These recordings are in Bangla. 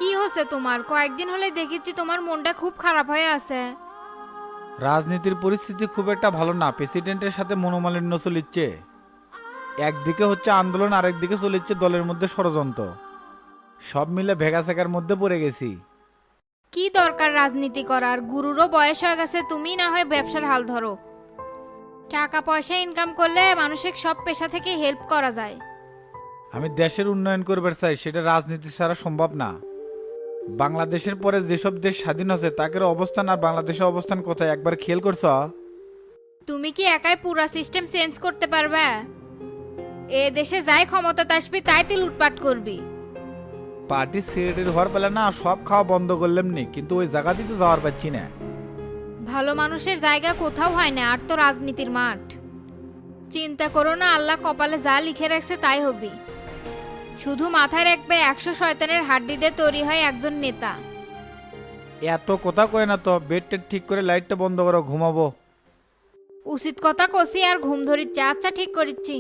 কি হচ্ছে তোমার? কয়েকদিন হলে দেখেছি তোমার মনটা খুব খারাপ হয়ে আছে। রাজনীতির পরিস্থিতি খুব একটা ভালো না, প্রেসিডেন্টের সাথে মনোমালিন্য চলিচ্ছে। একদিকে হচ্ছে আন্দোলন, আরেকদিকে চলিচ্ছে দলের মধ্যে ষড়যন্ত্র। সব মিলে ভেগাসেকার মধ্যে পড়ে গেছি। কি দরকার রাজনীতি করার? গুরুরও বয়স হয়ে গেছে, তুমি না হয় ব্যবসার হাল ধরো। টাকা পয়সা ইনকাম করলে মানুষের সব পেশা থেকে হেল্প করা যায়। আমি দেশের উন্নয়ন করবার চাই, সেটা রাজনীতি ছাড়া সম্ভব না। বাংলাদেশের পরে যেসব দেশ স্বাধীন হচ্ছে তাদের অবস্থান আর বাংলাদেশের অবস্থান কোথায় একবার খেয়াল করছ? তুমি কি একাই পুরা সিস্টেম চেঞ্জ করতে পারবে? এ দেশে যাই ক্ষমতাতে আসবি তাই তুই লুটপাট করবি। পার্টির সেক্রেটারি হওয়ার পেলে না সব খাওয়া বন্ধ করলাম নি, কিন্তু ওই জায়গাতেই তো যাওয়ার পাচ্ছি না। ভালো মানুষের জায়গা কোথাও হয় না, আর তো রাজনীতির মাঠ। চিন্তা করো না, আল্লাহ কপালে যা লিখে রাখছে তাই হবি। শুধু মাথায় রাখবে 100 শয়তানের হাড্ডি দিয়ে তৈরি হয় একজন নেতা। এত কথা কয় না তো, বেড টেড ঠিক করে লাইটটা বন্ধ করো, ঘুমাবো। উচিত কথা কষি আর ঘুম ধরিচ্ছে। আচ্ছা, ঠিক করিচ্ছি।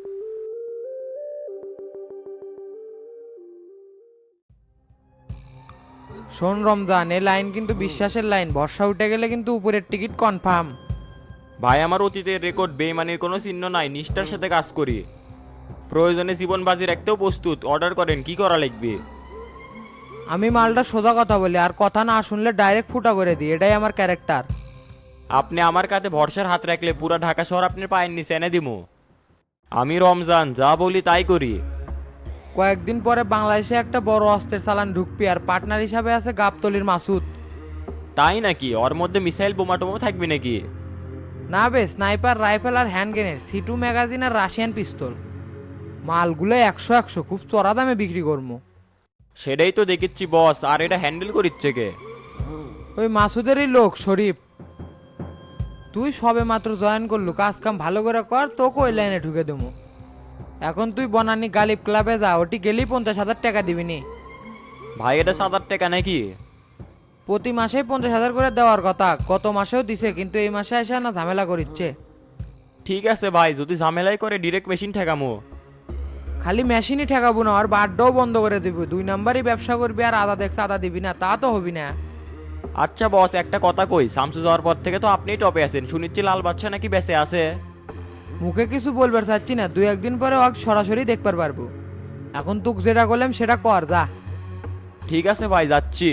শোন রমজান, এ লাইন কিন্তু বিশ্বাসের লাইন। বর্ষা উঠে গেলে কিন্তু উপরের টিকিট কনফার্ম। ভাই, আমার অতীতের রেকর্ড বেইমানির কোনো চিহ্ন নাই, নিষ্ঠার সাথে কাজ করি। প্রয়োজনে জীবন বাজি রাখতেও প্রস্তুত। অর্ডার করেন, কি করা লাগবে? আমি মালটা সোজা কথা বলি, আর কথা না শুনলে ডাইরেক্ট ফুটা করে দিই, এটাই আমার ক্যারেক্টার। আপনি আমার কাছে ভরসার হাত রাখলে পুরা ঢাকা শহর আপনার পায়ের নিচে এনে দিমু। আমি রমজান, যা বলি তাই করি। কয়েকদিন পরে বাংলাদেশে একটা বড় অস্ত্রের চালান ঢুকবি, আর পার্টনার হিসাবে আছে গাবতলির মাসুদ। তাই নাকি? ওর মধ্যে মিসাইল বোমা টোমা থাকবে নাকি? না বে, স্নাইপার রাইফেল আর হ্যান্ড গ্রেনেড, সিটু ম্যাগাজিন আর রাশিয়ান পিস্তল। মালগুলো 100 খুব চড়া দামে বিক্রি করবো। সেটাই তো দেখিচ্ছি বস। আর এটা হ্যান্ডেল করিচ্ছে কে? ওই মাসুদেরই লোক শরীফ। তুই সবে মাত্র জয়েন করলু, কাজ কাম ভালো করে কর, তোকে ওই লাইনে ঢুকে দেবো। এখন তুই বনানী গালিব ক্লাবে যা, ওটি গেলেই 50,000 টাকা দিবিনি। ভাই, এটা 7-8 টাকা নাকি? প্রতি মাসেই 50,000 করে দেওয়ার কথা, গত মাসেও দিছে, কিন্তু এই মাসে এসে না ঝামেলা করিচ্ছে। ঠিক আছে ভাই, যদি ঝামেলাই করে ডিরেক্ট মেশিন ঠেকামো। খালি মেশিনই ঠেকাবো না, আর বাড্ডাও বন্ধ করে দিবি। 2 নাম্বারই ব্যবসা করবি, আর আদা দেখছে আদা দিবি না, তা তো হবি না। আচ্ছা বস, একটা কথা কই, শামসু যাওয়ার পর থেকে তো আপনিই টপে আছেন। শুনিচ্ছি লাল বাচ্চা নাকি বেঁচে আছে। মুখে কিছু বলবার চাচ্ছি না, 2-1 দিন পরে ওকে সরাসরি দেখবার পারবো। এখন তুক যেটা করলাম সেটা কর, যা। ঠিক আছে ভাই, যাচ্ছি।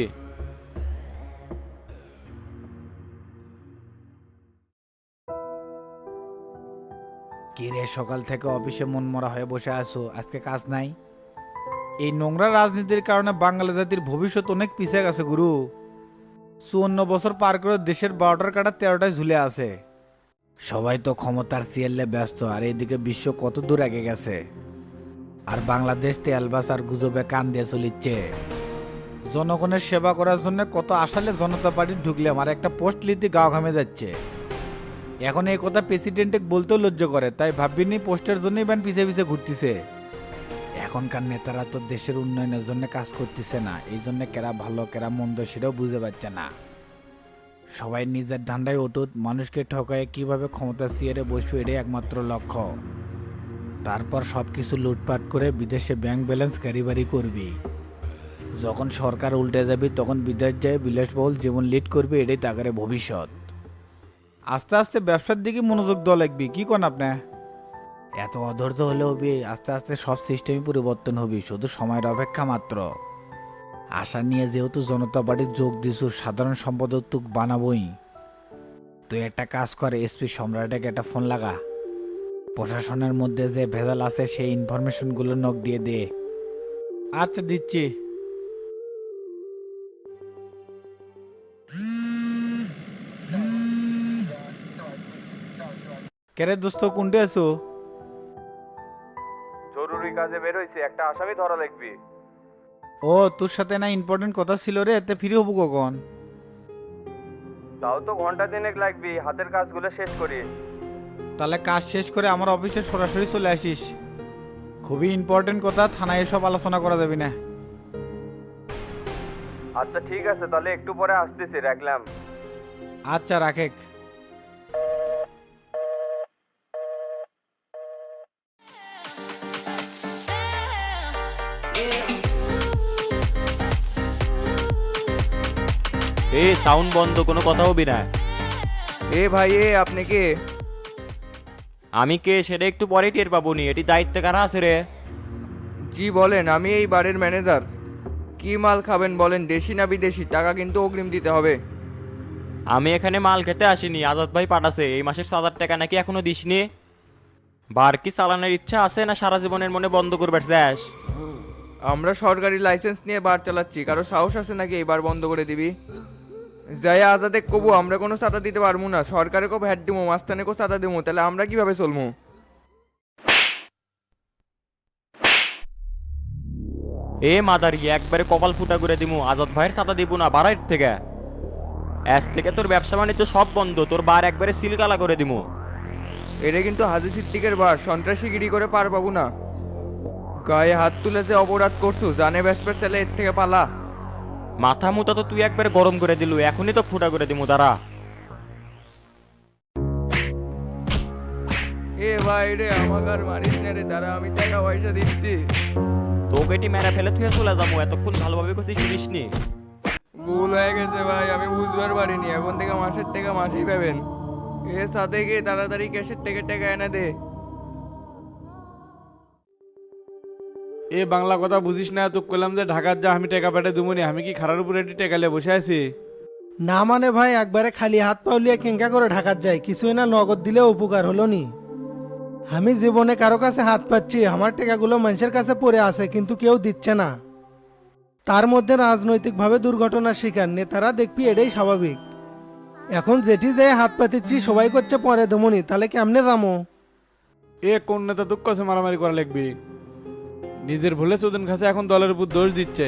কি রে, সকাল থেকে অফিসে মন মরা হয়ে বসে আছো, আজকে কাজ নাই? এই নোংরা রাজনীতির কারণে বাঙালি জাতির ভবিষ্যৎ অনেক পিছিয়ে গেছে গুরু। 54 বছর পার করে দেশের 12টার কাটা 13টায় ঝুলে আছে। সবাই তো ক্ষমতার চিয়ালে ব্যস্ত, আর এইদিকে বিশ্ব কত দূর আগে গেছে। আর বাংলাদেশ তেলবাস আর গুজবে কান দিয়ে চলিচ্ছে। জনগণের সেবা করার জন্য কত আসালে জনতা পার্টি ঢুকলাম, আর একটা পোস্ট লিতে গাও ঘামে যাচ্ছে। এখন এই কথা প্রেসিডেন্টে বলতেও লজ্জা করে, তাই ভাবিনি পোস্টের জন্যই ব্যান পিছে পিছে ঘুরতেছে। এখনকার নেতারা তো দেশের উন্নয়নের জন্য কাজ করতেছে না, এই জন্য কেরা ভালো কেরা মন্দ সেটাও বুঝতে পারছে না। সবাই নিজের ধান্দায় অটুট, মানুষকে ঠকায় কিভাবে ক্ষমতা চেয়ারে বসবে এটাই একমাত্র লক্ষ্য। তারপর সবকিছু লুটপাট করে বিদেশে ব্যাংক ব্যালেন্স গাড়ি করবি। যখন সরকার উল্টে যাবে তখন বিদেশ যায় বিলাসবহুল জীবন লিড করবে, এটাই তাগারে ভবিষ্যৎ। আস্তে আস্তে ব্যবসার দিকে মনোযোগ দেওয়া লাগবে, কি কোন আপনি? এত অধৈর্য হলে হবে? আস্তে আস্তে সব সিস্টেমই পরিবর্তন হবে, শুধু সময়ের অপেক্ষা মাত্র। আশা নিয়ে যেহেতু জনতা পার্টির যোগ দিছু, সাধারণ সম্পাদক তুক বানাবই। তুই একটা কাজ করে এসপি সম্রাটকে একটা ফোন লাগা। প্রশাসনের মধ্যে যে ভেজাল আছে সেই ইনফরমেশনগুলো নক দিয়ে দে। আচ্ছা, দিচ্ছি। কেরে দোস্ত, কোনটে আছো? জরুরি কাজে বের হইছে, একটা আসামি ধরা লাগবে। ও, তোর সাথে না ইম্পর্টেন্ট কথা ছিল রে, এতে ফ্রি হবো কখন? তাও তো ঘন্টা দিনেক লাগবে, হাতের কাজগুলো শেষ করি। তাহলে কাজ শেষ করে আমার অফিসে সরাসরি চলে আসিস। খুবই ইম্পর্টেন্ট কথা, থানায় এসব আলোচনা করা যাবে না। আচ্ছা ঠিক আছে, তাহলে একটু পরে আসতেছি, রাখলাম। আচ্ছা, রাখে। এ সাউন্ড বন্ধ, কোনো কথা হবি না। এ ভাই আপনি কে? আমি কে সেটা একটু পরে টের পাবো নি। এটি দায়িত্বে কারা আছে রে? জি বলেন, আমি এই বারের ম্যানেজার। কি মাল খাবেন বলেন, দেশি না বিদেশি? টাকা কিন্তু অগ্রিম দিতে হবে। আমি এখানে মাল খেতে আসিনি, আজাদ ভাই পাঠাছে। এই মাসের 7,000 টাকা নাকি এখনো দিসনি। বার কি চালানোর ইচ্ছা আছে না সারা জীবনের মনে বন্ধ করবে চাস? আমরা সরকারি লাইসেন্স নিয়ে বার চালাচ্ছি, কারো সাহস আছে নাকি এই বার বন্ধ করে দিবি? যাই আজাদে কবু আমরা কোনো চাঁদা দিতে পারবো না, সরকারে কো ভ্যাট দিবো, মাস্তানে কো চাঁদা দিবো, তাহলে আমরা কিভাবে চলবো? এ মাদারি একবারে কপাল ফুটা করে দিমু। আজাদ ভাইয়ের চাঁদা দিব না, বাড়াইর থেকে। আজ থেকে তোর ব্যবসা বাণিজ্য সব বন্ধ, তোর বার একবারে সিলকালা করে দিমু। এটা কিন্তু হাজি সিদ্দিকের বার, সন্ত্রাসীগিরি করে পার পাবো না। গায়ে হাত তুলে যে অপরাধ করছু, জানে ব্যাসপের ছেলে, এর থেকে পালা। মাথা মুতা তো তুই একবারে গরম করে দিলু, এখনই তো ফুটা করে দিমু দাঁড়া। এ ভাই রে, আমাকে আর মারিস না রে, তারা আমি টাকা পয়সা দিচ্ছি। তোকে এটি মেরা ফেলে তুই চলে যাবো, এতক্ষণ ভালোভাবে করছিস শুনিসনি? ভুল হয়ে গেছে ভাই, আমি বুঝবার পারিনি। এখন থেকে মাসের টাকা মাসেই পাবেন। এ সাথে গিয়ে তাড়াতাড়ি ক্যাশের থেকে টাকা এনে দে। এ বাংলা কথা বুঝিস না, তো কইলাম যে ঢাকার যা, আমি টাকা পেটে দুমুনি। আমি কি খারার উপরে এটি টেকালে বসে আছি? না মানে ভাই, একবারে খালি হাত পাউলিয়ে কেঙ্কা করে ঢাকার যায়, কিছুই না নগদ দিলে উপকার হলো নি। আমি জীবনে কারো কাছে হাত পাচ্ছি, আমার টাকাগুলো মানুষের কাছে পড়ে আছে কিন্তু কেউ দিচ্ছে না। তার মধ্যে রাজনৈতিকভাবে দুর্ঘটনার শিকার নেতারা, দেখবি এটাই স্বাভাবিক। এখন যেটি যে হাত পাতিচ্ছি সবাই করছে পরে দমনি, তাহলে কেমনে যাবো? এ কোন নেতা দুঃখ আছে মারামারি করা লাগবি? নিজের ভুলে চোদন খাসে এখন দলের উপর দোষ দিচ্ছে।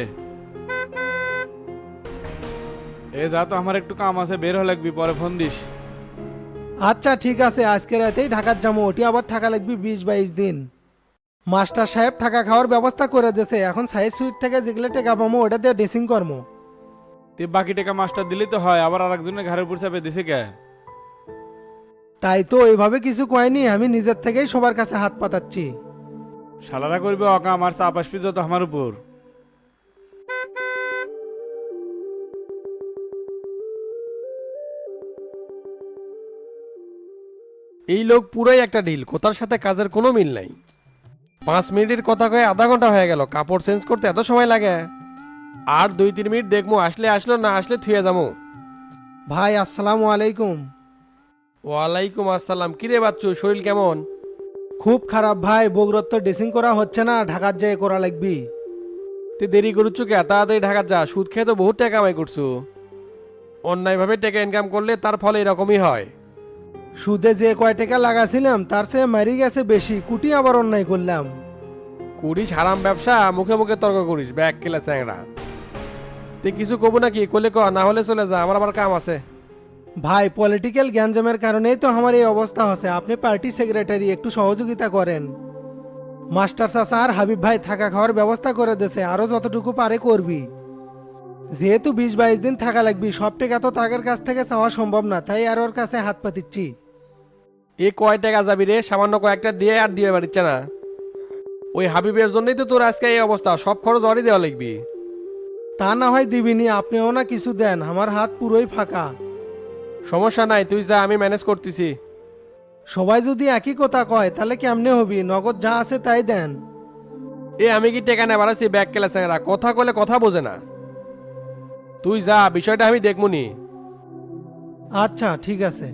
এ যা তো, আমার একটু কাম আছে, বের হয়ে লাগবি, পরে ফোন দিস। আচ্ছা ঠিক আছে, আজকে রাতেই ঢাকার যাবো। ওটি আবার থাকা লাগবে 20-22 দিন। মাস্টার সাহেব থাকা খাওয়ার ব্যবস্থা করে দিয়েছে, এখন সাইজ সুইট থেকে যেগুলো টাকা পাবো ওটা দিয়ে ড্রেসিং করবো। তুই বাকি টাকা মাস্টার দিলি তো হয়, আবার আরেকজনের ঘরের উপর চাপে দিছে কে? তাই তো এইভাবে কিছু কয়নি, আমি নিজের থেকেই সবার কাছে হাত পাতাচ্ছি। শালারা করবে অকা, আমার চাপ আসবি যত আমার উপর। এই লোক পুরাই একটা ঢিল, কোথার সাথে কাজের কোনো মিল নাই। 5 মিনিটের কথা কয়ে আধা ঘন্টা হয়ে গেল, কাপড় চেঞ্জ করতে এত সময় লাগে? আর 2-3 মিনিট দেখবো, আসলে আসলো, না আসলে থুয়ে যাবো। ভাই আসসালামু আলাইকুম। ওয়ালাইকুম আসসালাম। কিরে বাচ্চু, শরীর কেমন? খুব খারাপ ভাই, বগুড়ার তো ড্রেসিং করা হচ্ছে না, ঢাকার যেয়ে করা লাগবি। তুই দেরি করুচ্ছ কে? তাড়াতাড়ি ঢাকা যা, সুদ খেয়ে তো বহুত টাকা কামাই করছু। অন্যায়ভাবে টাকা ইনকাম করলে তার ফলে এরকমই হয়। সুদে যে কয় টাকা লাগাছিলাম তার চেয়ে মারি গেছে বেশি, কুটি আবার অন্যায় করলাম। করিস হারাম ব্যবসা, মুখে মুখে তর্ক করিস, ব্যাগ কেলা চ্যাংরা। তুই কিছু কবো নাকি? কলে ক, না হলে চলে যা, আমার আবার কাম আছে। ভাই পলিটিক্যাল গ্যাঞ্জামের কারণেই তো আমার এই অবস্থা হচ্ছে, আপনি পার্টি সেক্রেটারি, একটু সহযোগিতা করেন। মাস্টার চাচা আর হাবিব ভাই থাকা খাওয়ার ব্যবস্থা করে দিয়েছে, আরো যতটুকু পারে করবি। যেহেতু 20-22 দিন থাকা লাগবি, সব টাকা তো তাদের কাছ থেকে চাওয়া সম্ভব না, তাই আর ওর কাছে হাত পাতিচ্ছি। এ কয় টাকা যাবি রে? সামান্য কয়েকটা দিয়ে আর দিয়ে পারিচ্ছে না। ওই হাবিবের জন্যই তো তোর আজকে এই অবস্থা, সব খরচ অরই দেওয়া লাগবি। তা না হয় দিবিনি, আপনিও না কিছু দেন, আমার হাত পুরোই ফাঁকা। সমস্যা নাই, তুই যা, আমি ম্যানেজ করতেছি। সবাই যদি একই কথা কয় তাহলে কেমনে হবি? নগদ যা আছে তাই দেন। এ আমি কি টেকা নেবার আছি? ব্যাগ কেলা চ্যাংরা, কথা কলে কথা বোঝে না। তুই যা, বিষয়টা আমি দেখমুনি। আচ্ছা ঠিক আছে।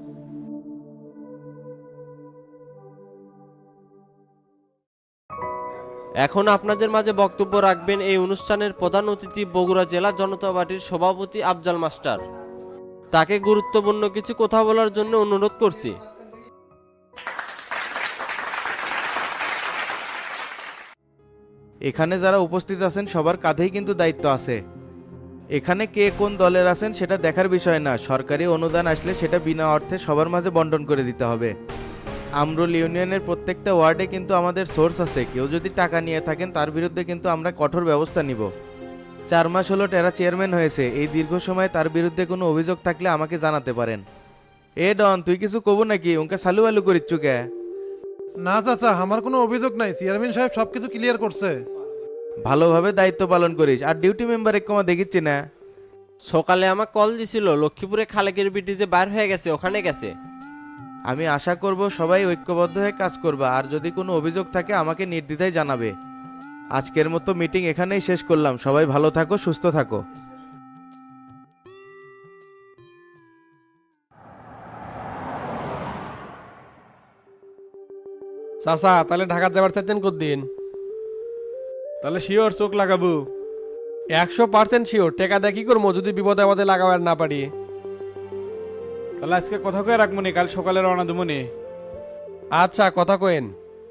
এখন আপনাদের মাঝে বক্তব্য রাখবেন এই অনুষ্ঠানের প্রধান অতিথি বগুড়া জেলা জনতা পার্টির সভাপতি আফজাল মাস্টার। তাকে গুরুত্বপূর্ণ কিছু কথা বলার জন্য অনুরোধ করছি। এখানে যারা উপস্থিত আছেন সবার কাঁধেই কিন্তু দায়িত্ব আছে। এখানে কে কোন দলের আছেন সেটা দেখার বিষয় না, সরকারি অনুদান আসলে সেটা বিনা অর্থে সবার মাঝে বন্টন করে দিতে হবে। আমরুল ইউনিয়নের প্রত্যেকটা ওয়ার্ডে কিন্তু আমাদের সোর্স আছে, কেউ যদি টাকা নিয়ে থাকেন তার বিরুদ্ধে কিন্তু আমরা কঠোর ব্যবস্থা নিব। 4 মাস হলো টেরা চেয়ারম্যান হয়েছে, এই দীর্ঘ সময়ে তার বিরুদ্ধে কোনো অভিযোগ থাকলে আমাকে জানাতে পারেন। এ ডন, তুই কিছু কব নাকি? ওকে সালু আলু করিচ্ছু কে? না চাচা, আমার কোনো অভিযোগ নাই, চেয়ারম্যান সাহেব সবকিছু ক্লিয়ার করছে। ভালোভাবে দায়িত্ব পালন করিস, আর ডিউটি মেম্বার এক কমা দেখিচ্ছি না। সকালে আমাকে কল দিছিল লক্ষ্মীপুরে খালেকের বিটি যে বাইর হয়ে গেছে ওখানে গেছে। আমি আশা করব সবাই ঐক্যবদ্ধ হয়ে কাজ করবে, আর যদি কোনো অভিযোগ থাকে আমাকে নির্দ্বিধায় জানাবে। আজকের মতো মিটিং এখানেই শেষ করলাম, সবাই ভালো থাকো, সুস্থ থাকো। চাচা তাহলে ঢাকা যাবার চাচ্ছেন কতদিন? তাহলে শিওর চোখ লাগাবো। 100% শিওর। টেকা দিয়ে কি করবো যদি বিপদে আপদে লাগাবার না পারি? তাহলে আজকে কথা কয়ে রাখবো নি, কাল সকালে রওনা দেবো নি। আচ্ছা, কথা কয়েন।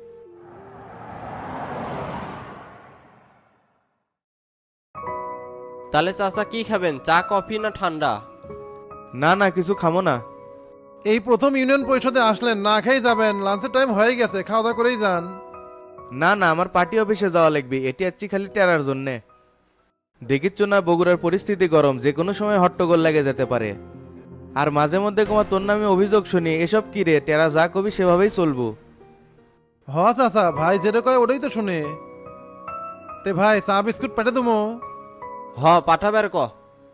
তাহলে চাচা কি খাবেন, চা কফি না ঠান্ডা? না না, কিছু খামো না। এই প্রথম ইউনিয়ন পরিষদে আসলেন, না খেয়ে যাবেন? লাঞ্চের টাইম হয়ে গেছে, খাওয়া দাওয়া করেই যান। না না, আমার পার্টি অফিসে যাওয়া লাগবে, এটি আছি খালি টেরার জন্যে। দেখিচ্ছ না বগুড়ার পরিস্থিতি গরম, যে কোনো সময় হট্টগোল লেগে যেতে পারে। আর মাঝে মধ্যে তোমার তোর নামে অভিযোগ শুনি, এসব কি রে? টেরা যা কবি সেভাবেই চলবো। হ চাচা, ভাই যেটা কয় ওটাই তো শুনে। তে ভাই চা বিস্কুট পেটে দেবো? হ পাঠাবের ক।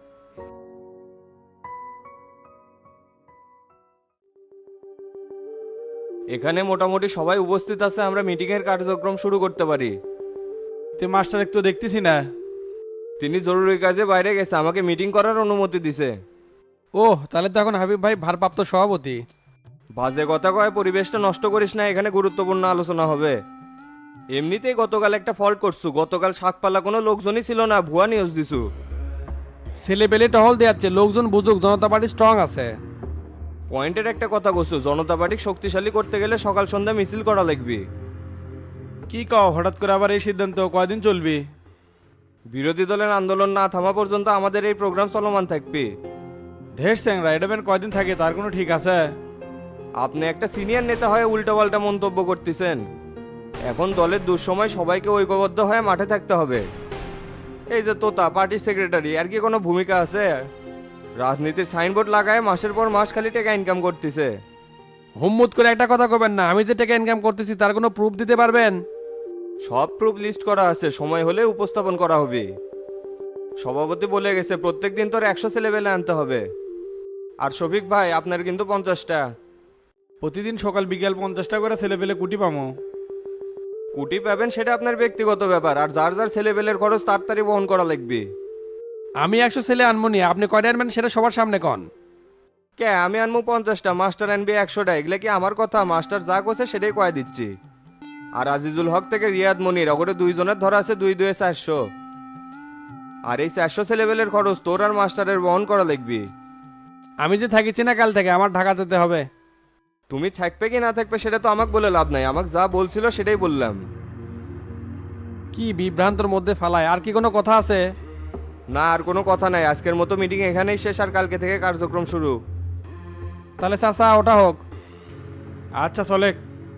এখানে মোটামুটি সবাই উপস্থিত আছে, আমরা মিটিং এর কার্যক্রম শুরু করতে পারি। তে মাস্টার একটু দেখতেছি না। তিনি জরুরি কাজে বাইরে গেছে, আমাকে মিটিং করার অনুমতি দিছে। ওহ, তাহলে তো এখন হাবিব ভাই ভারপ্রাপ্ত সভাপতি। বাজে কথা কয়, পরিবেশটা নষ্ট করিস না, এখানে গুরুত্বপূর্ণ আলোচনা হবে। এমনিতেই গতকাল একটা ফল্ট করছু, গতকাল শাকপালা কোনো লোকজনই ছিল না, ভুয়া নিউজ দিছু। ছেলে পেলে টহল দেয়াচ্ছে, লোকজন বুঝুক জনতা পার্টি স্ট্রং আছে। পয়েন্টের একটা কথা কছু, জনতা পার্টি শক্তিশালী করতে গেলে সকাল সন্ধ্যা মিছিল করা লাগবে। কি কও, হঠাৎ করে আবার এই সিদ্ধান্ত? কয়দিন চলবি? বিরোধী দলের আন্দোলন না থামা পর্যন্ত আমাদের এই প্রোগ্রাম চলমান থাকবে। ঢের স্যাংরা, এটা বেন কয়দিন থাকে তার কোনো ঠিক আছে? আপনি একটা সিনিয়র নেতা হয়ে উল্টাপাল্টা মন্তব্য করতেছেন। এখন দলের দুঃসময় সবাইকে ঐক্যবদ্ধ হয়ে মাঠে থাকতে হবে। এই যে তোতা পার্টির সেক্রেটারি, আর কি কোনো ভূমিকা আছে? রাজনীতির সাইনবোর্ড লাগায় মাসের পর মাস খালি টাকা ইনকাম করতেছে। হুম্মুত করে একটা কথা কবেন না, আমি যে টাকা ইনকাম করতেছি তার কোনো প্রুফ দিতে পারবেন? সব প্রুফ লিস্ট করা আছে, সময় হলে উপস্থাপন করা হবে। সভাপতি বলে গেছে প্রত্যেক দিন তোর 100 ছেলেবেলে আনতে হবে। আর শফিক ভাই, আপনার কিন্তু 50টা। প্রতিদিন সকাল বিকেল 50টা করে ছেলে পেলে কুটি পামো। কুটি পাবেন সেটা আপনার ব্যক্তিগত ব্যাপার, আর যার যার ছেলেবেলের খরচ তাড়াতাড়ি বহন করা লাগবে। আমি 100 ছেলে আনমনি, আপনি কয়টা আনবেন সেটা সবার সামনে কন। কে আমি আনবো 50টা, মাস্টার আনবি 100টা, এগুলা কি আমার কথা? মাস্টার যা করছে সেটাই কয়ে দিচ্ছি। আর আজিজুল হক থেকে রিয়াদ মনির, ওগরে দুইজনের ধরা আছে 2 2 400। আর এই 400 ছেলেবেলের খরচ তোর আর মাস্টারের বহন করা লাগবে। আমি যে থাকিছি না কাল থেকে, আমার ঢাকা যেতে হবে। তুমি থাকবে কি না থাকবে সেটা তো আমাকে বলে লাভ নাই, আমাকে যা বলছিল সেটাই বললাম। কি বিভ্রান্তর মধ্যে ফালায়, আর কি কোনো কথা আছে? না, আর কোনো কথা নাই, আজকের মতো মিটিং এখানেই শেষ, আর কালকে থেকে কার্যক্রম শুরু। তাহলে চাচা ওটা হোক। আচ্ছা চলে।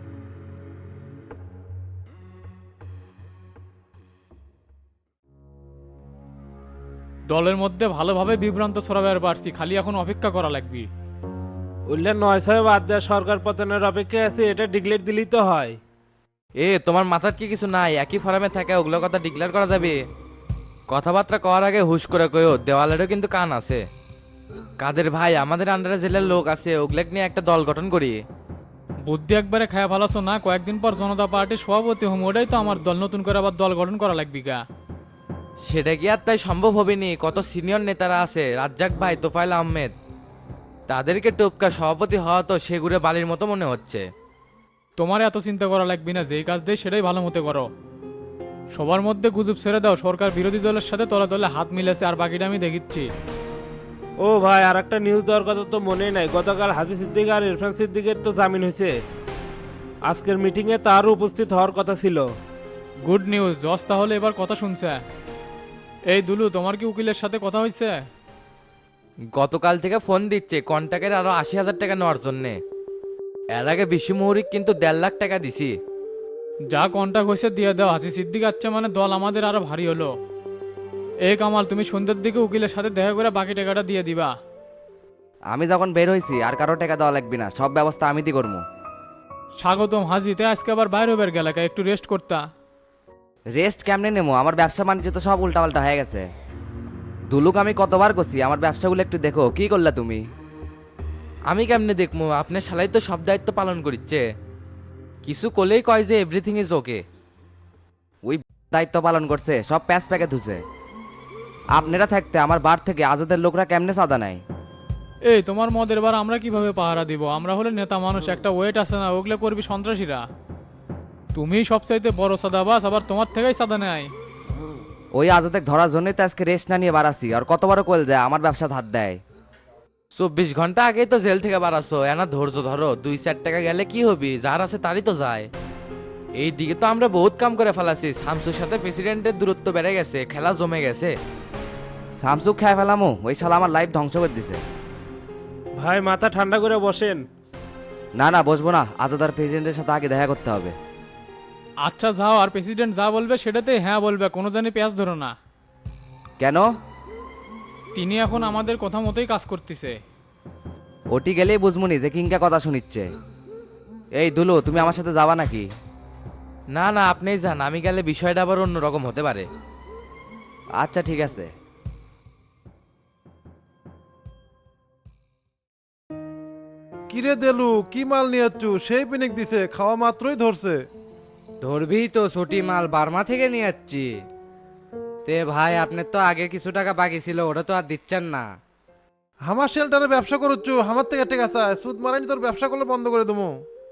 দলের মধ্যে ভালোভাবে বিভ্রান্ত ছড়াবার পারছি, খালি এখন অপেক্ষা করা লাগবে। উল্লেখ 9 বাদ দেওয়া সরকার পতনের অপেক্ষা আছে, এটা ডিক্লেয়ার দিলেই তো হয়। তোমার মাথার কি কিছু নাই? একই ফরামে থাকে ওগুলো কথা ডিক্লেয়ার করা যাবে? কথাবার্তা কওয়ার আগে হুশ করে কইও, দেওয়ালেরও কিন্তু কান আছে। কাদের ভাই, আমাদের আন্ডারে জেলার লোক আছে, ওগুলো নিয়ে একটা দল গঠন করি। বুদ্ধি একবারে খায়া ভালাছো না, কয়েকদিন পর জনতা পার্টির সভাপতি হম, ওটাই তো আমার দল, নতুন করে আবার দল গঠন করা লাগবে গা। সেটা কি আর তাই সম্ভব হবে নি? কত সিনিয়র নেতারা আছে, রাজ্জাক ভাই, তোফায়েল আহমেদ, তাদেরকে টপকা সভাপতি হওয়া তো সেগুড়ে বালির মতো মনে হচ্ছে। তোমার এত চিন্তা করা লাগবে না, যেই কাজ দেয় সেটাই ভালো মতো করো। সবার মধ্যে গুজব ছেড়ে দাও, সরকার বিরোধী দলের সাথে তলে তলে হাত মিলেছে, আর বাকিটা আমি দেখিচ্ছি। ও ভাই, আর একটা নিউজ দেওয়ার কথা তো মনেই নাই। গতকাল হাজি সিদ্দিক আর ইরফান সিদ্দিকের তো জামিন হয়েছে। আজকের মিটিংয়ে তারও উপস্থিত হওয়ার কথা ছিল। গুড নিউজ, জজ তাহলে এবার কথা শুনছে। এই দুলু, তোমার কি উকিলের সাথে কথা হয়েছে? গতকাল থেকে ফোন দিচ্ছে কন্ট্যাক্টের আরো 80,000 টাকা নেওয়ার জন্যে। এর আগে বিশ্ব মৌরিক কিন্তু 1.5 লাখ টাকা দিছি। যা কন্ট্যাক্ট হয়েছে দিয়ে দাও, হাজি সিদ্দিক আচ্ছা মানে দল আমাদের আরো ভারী হলো। এই কামাল, তুমি সন্ধ্যের দিকে উকিলের সাথে দেখা করে বাকি টাকাটা দিয়ে দিবা। আমি যখন বের হয়েছি আর কারো টাকা দেওয়া লাগবে না, সব ব্যবস্থা আমি দি করবো। স্বাগতম হাজিতে, আজকে আবার বাইরে হবার গেলাকা, একটু রেস্ট করতা। রেস্ট কেমনে নেবো? আমার ব্যবসা বাণিজ্য তো সব উল্টাপাল্টা হয়ে গেছে। দুলুক আমি কতবার করছি আমার ব্যবসাগুলো একটু দেখো, কি করলা তুমি? আমি কেমনে দেখবো? আপনার শালাই তো সব দায়িত্ব পালন করিচ্ছে, কিছু করলেই কয় যে এভরিথিং ইজ ওকে। ওই দায়িত্ব পালন করছে, সব প্যাচ প্যাকে ধুছে। আপনারা থাকতে আমার বার থেকে আজাদের লোকরা কেমনে চাঁদা নেয়? এই তোমার মদের বার আমরা কিভাবে পাহারা দিব? আমরা হলে নেতা মানুষ, একটা ওয়েট আছে না, ওগুলো করবি সন্ত্রাসীরা। তুমি সবচাইতে বড় সাদাবাস, আবার তোমার থেকেই সাদা নেয়। ওই আজাদের ধরার জন্যই তো আজকে রেস্ট না নিয়ে বাড়াচ্ছি। আর কতবারও কল যায় আমার ব্যবসা হাত দেয়। 24 ঘন্টা আগেই তো জেল থেকে বাড়াছো, এনা ধৈর্য ধরো। 2-4 টাকা গেলে কি হবি? যার আছে তারই তো যায়। এই দিকে তো আমরা বহুত কাম করে ফেলাছি। শামসুর সাথে প্রেসিডেন্টের দূরত্ব বেড়ে গেছে, খেলা জমে গেছে। সামসুক খেয়ে ফেলামো, ওই শালা আমার লাইফ ধ্বংস করে দিছে। ভাই মাথা ঠান্ডা করে বসেন। না না, বসবো না, আজাদার প্রেসিডেন্টের সাথে আগে দেখা করতে হবে। আচ্ছা যাও, আর প্রেসিডেন্ট যা বলবে সেটাতে হ্যাঁ বলবে, কোনো জানি পেঁয়াজ ধরো না। কেন? তিনি এখন আমাদের কথা মতোই কাজ করতেছে। ওটি গেলেই বুঝমুনি যে কিংকা কথা শুনিচ্ছে। এই দুলু, তুমি আমার সাথে যাবা নাকি? না না, আপনিই যান, আমি গেলে বিষয়টা আবার অন্যরকম হতে পারে। আচ্ছা ঠিক আছে। কিরে দেলু, কি মাল নিয়ে যাচ্ছু? সেই পিনিক দিছে, খাওয়া মাত্রই ধরছে। ধরবি তো, ছুটি মাল বার্মা থেকে নিয়ে যাচ্ছি। তে ভাই, আপনার তো আগে কিছু টাকা বাকি ছিল, ওটা তো আর দিচ্ছেন না। আমার শেল্টারে ব্যবসা করছু, আমার থেকে টেকা চায়। সুদ মারানি তোর ব্যবসা করলে বন্ধ করে দেবো।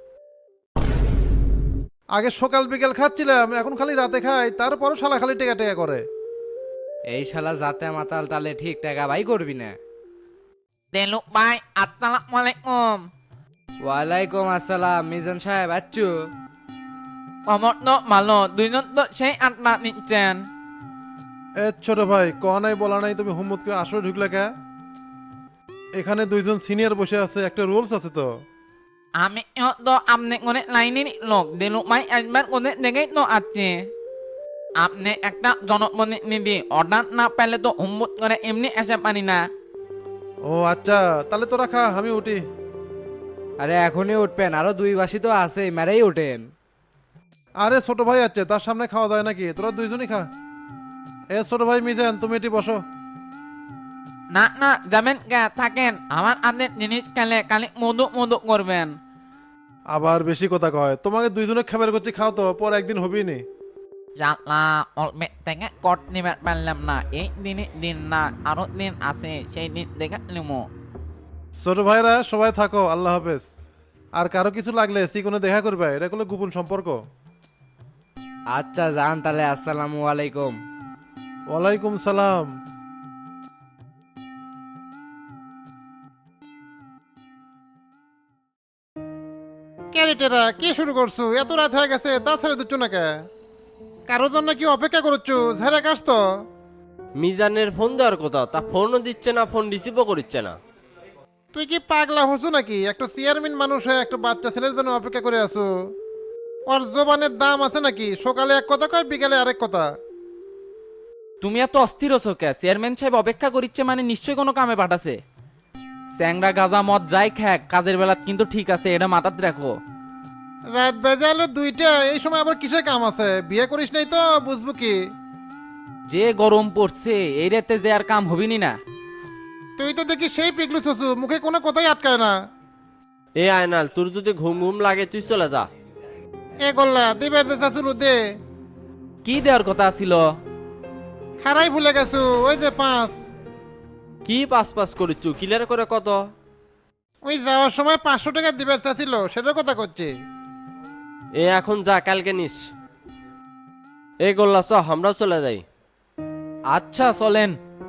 আগে সকাল বিকেল খাচ্ছিলাম, এখন খালি রাতে খাই, তারপরও শালা খালি টেকা টেকা করে। এই শালা যাতে মাতাল তালে ঠিক টাকা ভাই করবি না। দেলুক ভাই, আসসালামু আলাইকুম। ওয়ালাইকুম আসসালাম। মিজান সাহেব আচ্ছু? খবর তো ভালো, দুইজন তো সেই আড্ডা নিচ্ছেন। এ ছোট ভাই, কয়া নাই বলা নাই, তুমি হুম্মতকে আসলে ঢুকলে কে? এখানে দুইজন সিনিয়র বসে আছে, একটা রুলস আছে তো। আমি তো আপনি করে লাইনের লোক, দেলুক ভাই একবার করে দেখেই তো আছে। আপনি একটা জনপ্রতিনিধি, অর্ডার না পেলে তো হুম্মত করে এমনি এসে পারি না। ও আচ্ছা, তাহলে তোরা খা, আমি উঠি। আরে এখনই উঠবেন? আরো 2 বাসি তো আছে, মেরেই উঠেন। আরে ছোট ভাই আছে, তার সামনে খাওয়া যায় নাকি? তোরা দুইজনই খা। এ ছোট ভাই মিজান, তুমি এটি বসো। না না, যাবেন কে? থাকেন, আমার আদের জিনিস খেলে খালি মধু মধু করবেন। আবার বেশি কথা কয়। তোমাকে দুইজনে খাবার করছি, খাও তো, পর একদিন হবি নি। জানলা অল্পে থেকে কট নিবে পারলাম না, এই দিনে দিন না, আরো দিন আছে, সেই দিন দেখে নিমো। ছোট ভাইরা সবাই থাকো, আল্লাহ হাফেজ। আর কারো কিছু লাগলে সিকোনে দেখা করবে, এটা হলো গোপন সম্পর্ক। আচ্ছা যান তাহলে, আসসালামু আলাইকুম। ওয়ালাইকুম সালাম। ক্যারেটেরা কি শুরু করছো? এত রাত হয়ে গেছে, তা ছেড়ে দিচ্ছ না কে? কারোর জন্য কি অপেক্ষা করছো? ঝেড়ে কাস তো। মিজানের ফোন দেওয়ার কথা, তা ফোনও দিচ্ছে না, ফোন রিসিভও করছে না। তুই কি পাগলা হচ্ছ নাকি? একটা চেয়ারম্যান মানুষ হয়ে একটা বাচ্চা ছেলের জন্য অপেক্ষা করে আছো? ওর জবানের দাম আছে নাকি? সকালে এক কথা কয়, বিকালে আরেক কথা। তুমি এত অস্থির হছো কে? চেয়ারম্যান সাহেব অপেক্ষা করিচ্ছে মানে নিশ্চয়ই কোনো কামে পাঠাছে। স্যাংরা গাজা মদ যাই খ্যাক, কাজের বেলা কিন্তু ঠিক আছে, এটা মাথাতে রাখো। রাত বেজে আলো 2টা, এই সময় আবার কিসের কাম আছে? বিয়ে করিস নাই তো, বুঝবো কি? যে গরম পড়ছে এই রাতে যে আর কাম হবিনি না। তুই তো দেখি সেই পিগলু শশু, মুখে কোনো কথাই আটকায় না। এ আয়নাল, তোর যদি ঘুম ঘুম লাগে তুই চলে যা। এ গোল্লা, দিবের যে শাশুড়ু দে। কি দেওয়ার কথা ছিল? খারাই ভুলে গেছো, ওই যে 5। কি পাস পাস করিচ্ছু, ক্লিয়ার করে কত? ওই যাওয়ার সময় 500 টাকা দিবের চাচ্ছিল, সেটার কথা করছি। এ এখন যা, কালকে নিস। এ গোল্লা চ, আমরাও চলে যাই। আচ্ছা চলেন।